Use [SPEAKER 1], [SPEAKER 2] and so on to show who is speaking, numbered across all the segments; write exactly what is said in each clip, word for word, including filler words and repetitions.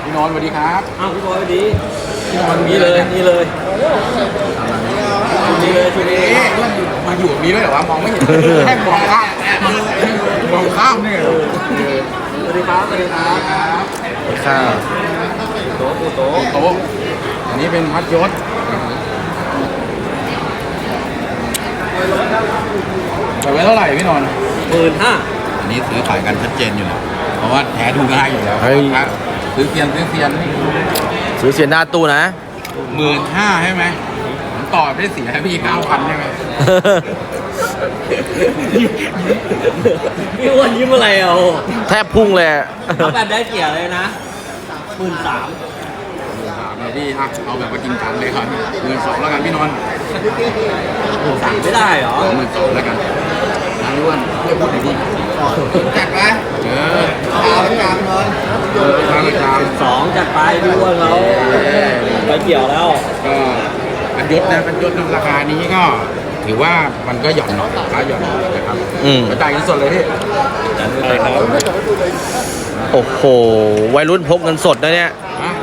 [SPEAKER 1] พี่นนท์สวัสดีครับ
[SPEAKER 2] อ้าวพี่บอยสวัสดี
[SPEAKER 1] พี่นนท์
[SPEAKER 2] นี่เลยนี่เลยนี่เลยชุดนี้
[SPEAKER 1] มาอยู่มีด้วยเหรอวะมองไม่เห็นแค่มองข้ามมองข้ามเนี่ย
[SPEAKER 2] สวัสดีครับสวัสดีครับ
[SPEAKER 1] ข้าว
[SPEAKER 2] โต๊ะโต๊ะ
[SPEAKER 1] โต๊ะอันนี้เป็นมัดยศแต่ไว้เท่าไหร่พี่นนท์
[SPEAKER 2] หมื่นห้า
[SPEAKER 1] อันนี้ซื้อขายกันชัดเจนอยู่แล้วเพราะว่าแท้ดูง่ายอยู่แล้วซื้อเซียนซื้อเซียน
[SPEAKER 3] ซื้อเซียนหน้าตู้นะ
[SPEAKER 1] หมื่นห้าใช่ไหมผมต่อได้เสียให้พี่เก้าพันใช่ไหม
[SPEAKER 2] พี่อ้วนยิ้มอะไรอ่ะ
[SPEAKER 3] แทบพุ่งเลย
[SPEAKER 2] เอาแบบได้เสียเลยนะหมื่นสาม
[SPEAKER 1] ถามเลยพี่อ่ะเอาแบบว่าจริงจังเลยครับหมื่นสองแล้วกันพี่นนท์
[SPEAKER 2] หมื่นสามไม่ได้เหรอ
[SPEAKER 1] หมื่นสองแล้วกันนายอ้วนเพื่อพูดดีๆจัดไปเออตามตามเลยเออตามตาม
[SPEAKER 2] สองจัดไปพี่อ้วนเราไปเกี่ยวแล้ว
[SPEAKER 1] ก็อันยศนะอันยศราคานี้ก็ถือว่ามันก็หย่อนหน่อยราคาหย่อนนะครับกระจายเงินสดเลยพี่
[SPEAKER 3] โอ้โหวัยรุ่นพกเงินสดนะเนี่ย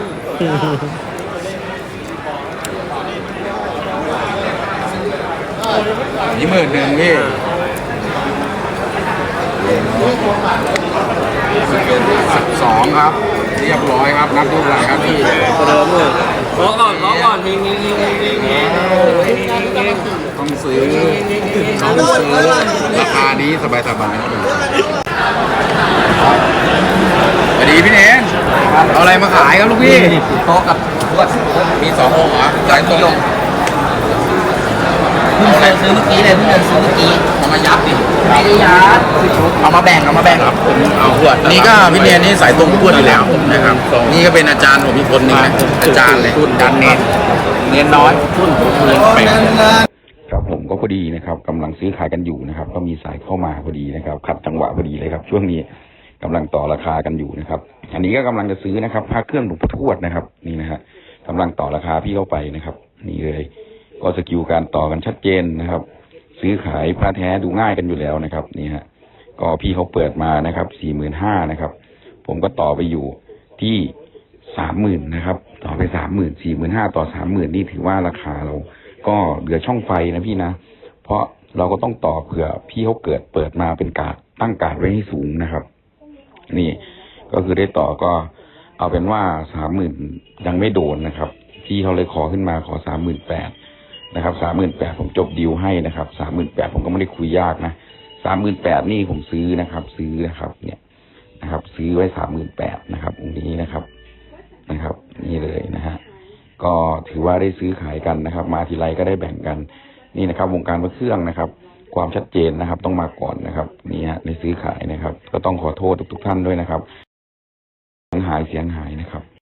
[SPEAKER 1] นี่หมื่นหนึ่งพี่สิบสองครับเรียบร้อยครับนับดูหลังครับพี่
[SPEAKER 2] เดิมเลยขอก่อนขอก่อนทิ้งทิ้งทิ้งทิ้งทิ้ง
[SPEAKER 1] ต้องซื้อต้องซื้อราคานี้สบายสบายสวัสดีพี่เนนเอาอะไรมาขายครับลูกพี่โต๊ะกับมีสององค์เหรอใจตรงเอาอะไรซื้อเมื่อกี้เลยเพิ่งเดินซื้อเมื่อกี้เอามายับดิไม่ได้ยับเอามาแบ่งเอามาแบ่งครับผมเอาขวดนี่ก็พี่เนนนี่สายตรงขวดอยู่แล้วนะครับนี่ก็เป็นอาจารย์ผมอีกคนนึงนะอาจารย์เลยอาจารย์เนนเนนน้อยทุ่นผมเลยไปครับผมก็พอดีนะครับกำลังซื้อขายกันอยู่นะครับก็มีสายเข้ามาพอดีนะครับขัดจังหวะพอดีเลยครับช่วงนี้กำลังต่อราคากันอยู่นะครับอันนี้ก็กำลังจะซื้อนะครับพระเครื่องหลวงพ่อทวดนะครับนี่นะฮะกำลังต่อราคาพี่เข้าไปนะครับนี่เลยก็สกิลการต่อกันชัดเจนนะครับซื้อขายพระแท้ดูง่ายกันอยู่แล้วนะครับนี่ฮะก็พี่เขาเปิดมานะครับสี่หมื่นห้านะครับผมก็ต่อไปอยู่ที่สามหมื่นนะครับต่อไปสามหมื่นสี่หมื่นห้าต่อสามหมื่นนี่ถือว่าราคาเราก็เหลือช่องไฟนะพี่นะเพราะเราก็ต้องต่อเผื่อพี่เขาเกิดเปิดมาเป็นการตั้งการไว้ให้สูงนะครับนี่ก็คือได้ต่อก็เอาเป็นว่าสามหมื่นยังไม่โดนนะครับพี่เขาเลยขอขึ้นมาขอสามหมื่นแปดนะครับสามหมื่นแปดผมจบดีลให้นะครับสามหมื่นแปดผมก็ไม่ได้คุยยากนะสามหมื่นแปดนี่ผมซื้อนะครับซื้อนะครับเนี่ยนะครับซื้อไว้สามหมื่นแปดนะครับตรงนี้นะครับนะครับนี่เลยนะฮะก็ถือว่าได้ซื้อขายกันนะครับมาทีไรก็ได้แบ่งกันนี่นะครับวงการพระเครื่องนะครับความชัดเจนนะครับต้องมาก่อนนะครับนี่ฮะในซื้อขายนะครับก็ต้องขอโทษทุกๆท่านด้วยนะครับเสียงหายเสียงหายนะครับ